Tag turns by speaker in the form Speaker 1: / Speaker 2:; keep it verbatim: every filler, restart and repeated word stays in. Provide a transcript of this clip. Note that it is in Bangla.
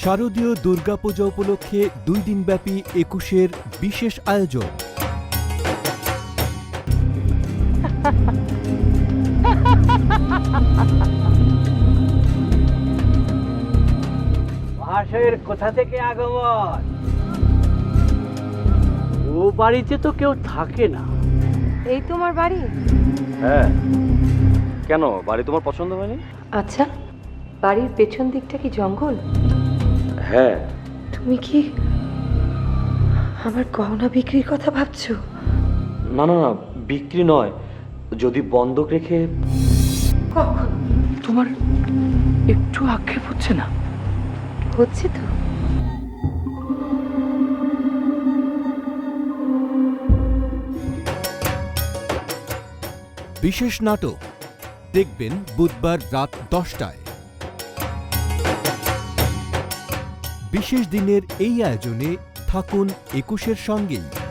Speaker 1: শারদীয় দুর্গাপূজা উপলক্ষে দুই দিনব্যাপী একুশের বিশেষ আয়োজন।
Speaker 2: মহাশয়ের কোথা থেকে আগমন? ও বাড়িতে তো কেউ থাকে না।
Speaker 3: এই তোমার বাড়ি?
Speaker 4: হ্যাঁ, কেন বাড়ি তোমার পছন্দ হয়নি?
Speaker 3: আচ্ছা, বাড়ির পেছন দিকটা কি জঙ্গল?
Speaker 4: হ্যাঁ।
Speaker 3: তুমি কি আমার গহনা বিক্রির কথা ভাবছো?
Speaker 4: না না না, বিক্রি নয়, যদি বন্ধক রেখে।
Speaker 3: কখন?
Speaker 2: তোমার একটু আক্ষেপ হচ্ছে না?
Speaker 3: হচ্ছে তো।
Speaker 1: বিশেষ নাটক দেখবেন বুধবার রাত দশটায়। বিশেষ দিনের এই আয়োজনে থাকুন একুশের সঙ্গেই।